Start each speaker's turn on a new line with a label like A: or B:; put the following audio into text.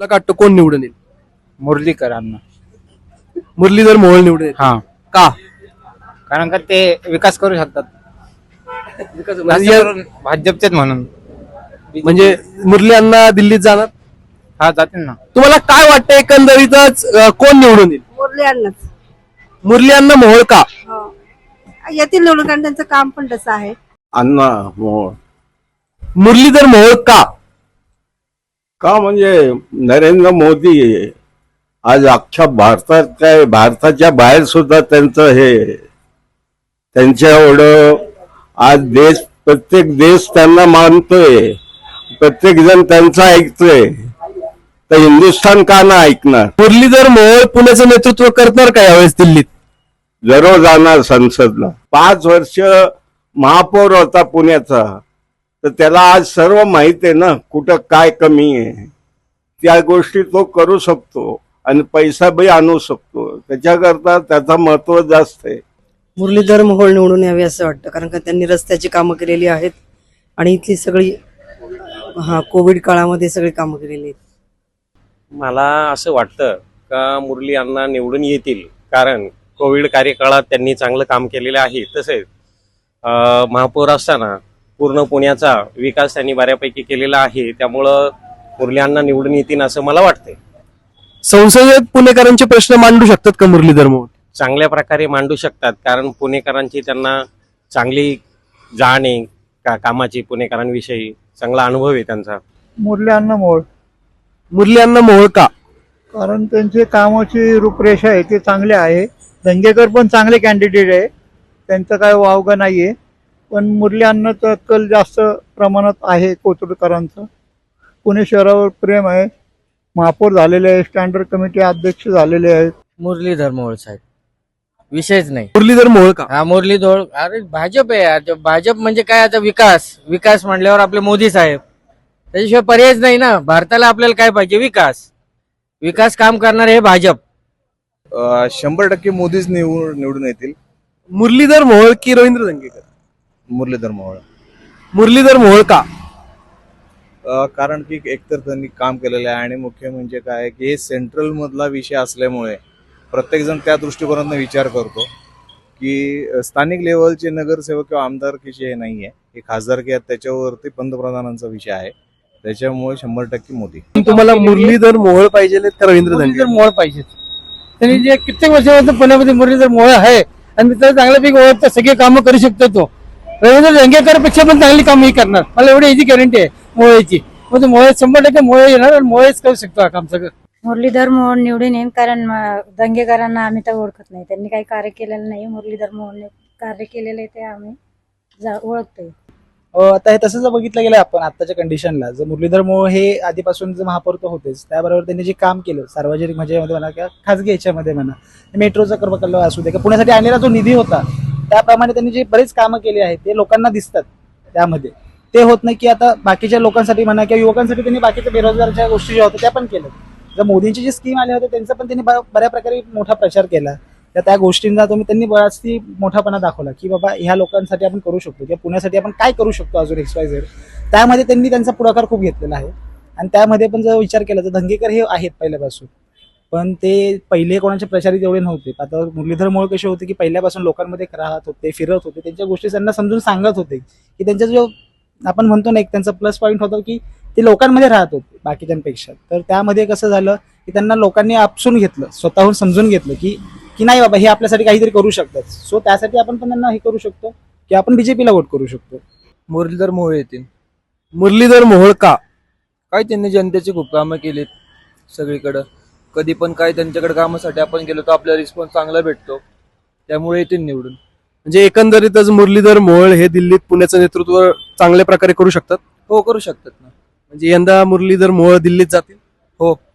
A: तुला काय वाटतं कोण निवडून येईल?
B: मुरलीकरांना.
A: मुरलीधर मोहोळ निवडून येईल.
B: हा,
A: का?
B: कारण का ते विकास करू शकतात.
A: म्हणजे
B: भाजपचेच म्हणून.
A: म्हणजे मुरली अण्णा दिल्लीत जाणार.
B: हा, जातील ना.
A: तुम्हाला काय वाटतं एकंदरीतच कोण निवडून येईल?
C: मुरली अण्णाच.
A: मुरली अण्णा मोहोळ का?
C: येथील निवडून कारण त्यांचं काम पण तसं आहे.
D: अण्णा मोहोळ
A: मुरलीधर मोहोळ का?
D: का म्हणजे नरेंद्र मोदी आज अख्ख्या भारतात काय भारताच्या बाहेर सुद्धा त्यांचं हे त्यांच्या एवढं आज प्रत्येक देश त्यांना मानतोय, प्रत्येक जण त्यांचं ऐकतोय, तर हिंदुस्थान का ना ऐकणार?
A: मुरलीधर मोहोळ पुण्याचं नेतृत्व करणार का यावेळेस दिल्लीत?
D: जरूर जाणार संसदला. 5 वर्ष महापौर होता पुण्याचा, तर त्याला आज सर्व माहित आहे ना कुठं काय कमी आहे. त्या गोष्टी तो करू शकतो आणि पैसा बी आणू शकतो. त्याच्याकरता त्याचं महत्व जास्त आहे.
E: मुरलीधर मोहोळ निवडून यावे असं वाटतं, कारण का त्यांनी रस्त्याची कामं केलेली आहेत आणि इथली सगळी कोविड काळामध्ये सगळी कामं केलेली आहेत.
F: मला असं वाटतं का मुरली अण्णा निवडून येतील, कारण कोविड कार्यकाळात त्यांनी चांगलं काम केलेलं आहे. तसेच महापौर असताना पूर्ण पुण्याचा विकास त्यांनी बऱ्यापैकी केलेला आहे. त्यामुळं मुरली अण्णा निवडून येतील असं मला वाटतंय.
A: संसदेत पुणेकरांचे प्रश्न मांडू शकतात का मुरलीधर मोहोळ?
F: चांगल्या प्रकारे मांडू शकतात, कारण पुणेकरांची त्यांना चांगली जाण आहे कामाची. पुणेकरांविषयी चांगला अनुभव आहे त्यांचा.
G: मुरली अण्णा मोहोळ.
A: मुरली अण्णा मोहोळ का?
G: कारण त्यांचे कामाची रूपरेषा आहे ते चांगले आहे. दंगेकर पण चांगले कॅन्डिडेट आहे, त्यांचं काय वावगं नाहीये. पण मुरली अण्णाचं कल जास्त प्रमाणात आहे कोथरूडकरांचं. पुणे शहरावर प्रेम आहे. महापौर झालेले आहे, स्टँडर्ड कमिटी अध्यक्ष झालेले आहेत.
B: मुरलीधर मोहोळ साहेब, विषयच नाही.
A: मुरलीधर मोहोळ का?
B: हा, मुरलीधर. अरे भाजप आहे यार. भाजप म्हणजे काय, आता विकास म्हणल्यावर आपले मोदी साहेब, त्याच्याशिवाय पर्यायच नाही ना. भारताला आपल्याला काय पाहिजे? विकास काम करणार हे भाजप.
H: 100% मोदीच निवडून येतील.
A: मुरलीधर मोहोळ की रवींद्र दंगेकर?
H: मुरलीधर मोहोळ.
A: मुरलीधर मोहोळ का?
H: कारण की एकतर त्यांनी काम केलेलं आहे आणि मुख्य म्हणजे काय की हे सेंट्रल मधला विषय असल्यामुळे प्रत्येक जण त्या दृष्टिकोनातून विचार करतो की स्थानिक लेवलचे नगरसेवक किंवा आमदारकीचे हे नाहीये, हे खासदारकी आहेत, त्याच्यावरती पंतप्रधानांचा विषय आहे. त्याच्यामुळे 100% मोदी.
A: तुम्हाला मुरलीधर मोहोळ पाहिजे का रवींद्र
G: मुरलीधर
A: दंगेकर?
G: मोहोळ पाहिजे. त्यांनी जे कित्येक वर्षापासून पुण्यामध्ये मुरलीधर मोहोळ आहे आणि त्याला चांगल्यापैकी ओळखतं, सगळे कामं करू शकतो तो. रवींद्र दंगेकर पेक्षा पण चांगली कामं ही करणार, मला एवढी याची गॅरंटी आहे मोहोळची. मग मोहोळ 100% मोहोळ येणार आणि मोहोळच करू शकतो हा काम सगळं.
I: मुरलीधर मोहोळ निवडून येईल, कारण दंगेकरांना आम्ही तर ओळखत नाही, त्यांनी काही कार्य केलेलं नाही. मुरलीधर मोहोळने कार्य केलेलं आहे ते आम्ही ओळखतोय.
J: आता हे तसं जर बघितलं गेलं आपण आताच्या कंडिशनला, जर मुरलीधर मोहोळ हे आधीपासून जे महापौर तर होतेच, त्याबरोबर त्यांनी जे काम केलं सार्वजनिक म्हणजे म्हणा किंवा खाजगी ह्याच्यामध्ये म्हणा, मेट्रोचा कर्मकल्लो असू दे किंवा पुण्यासाठी आणलेला जो निधी होता त्याप्रमाणे त्यांनी जे बरेच कामं केली आहेत ते लोकांना दिसतात. त्यामध्ये ते होत नाही की आता बाकीच्या लोकांसाठी म्हणा किंवा युवकांसाठी त्यांनी बाकीच्या बेरोजगारच्या गोष्टी ज्या होत्या त्या पण केल्या. जर मोदींची जी स्कीम आली होती त्यांचा पण त्यांनी बऱ्या प्रकारे मोठा प्रचार केला. त्या गोष्टींना त्यांनी बराच मोठापणा दाखवला की बाबा ह्या लोकांसाठी आपण करू शकतो किंवा पुण्यासाठी आपण काय करू शकतो अजून XYZ. त्यामध्ये त्यांनी त्यांचा पुढाकार खूप घेतलेला आहे. आणि त्यामध्ये पण जर विचार केला तर दंगेकर हे आहेत पहिल्यापासून, पण ते पहिले कोणाचे प्रचारित एवढे नव्हते. आता मुरलीधर मोहोळ कसे होते की पहिल्यापासून लोकांमध्ये राहत होते, फिरत होते, त्यांच्या गोष्टी त्यांना समजून सांगत होते की त्यांचा जो आपण म्हणतो ना एक त्यांचा प्लस पॉईंट होता की ते लोकांमध्ये राहत होते बाकीच्यांपेक्षा. तर त्यामध्ये कसं झालं की त्यांना लोकांनी आपसून घेतलं, स्वतःहून समजून घेतलं की नाही बाबा हे आपल्यासाठी काहीतरी करू शकतात. सो त्यासाठी आपण पण त्यांना हे करू शकतो की आपण BJPला वोट करू शकतो.
B: मुरलीधर मोहोळ येतील.
A: मुरलीधर मोहोळ का?
B: काय त्यांनी जनतेची खूप कामं केलीत सगळीकडं. कधी पण काय त्यांच्याकडे कामासाठी आपण गेलो तर आपल्याला रिस्पॉन्स चांगला भेटतो, त्यामुळे येतील निवडून.
A: म्हणजे एकंदरीतच मुरलीधर मोहोळ हे दिल्लीत पुण्याचं नेतृत्व चांगल्या प्रकारे करू शकतात.
B: हो, करू शकतात ना.
A: म्हणजे यंदा मुरलीधर मोहोळ दिल्लीत जातील.
B: हो.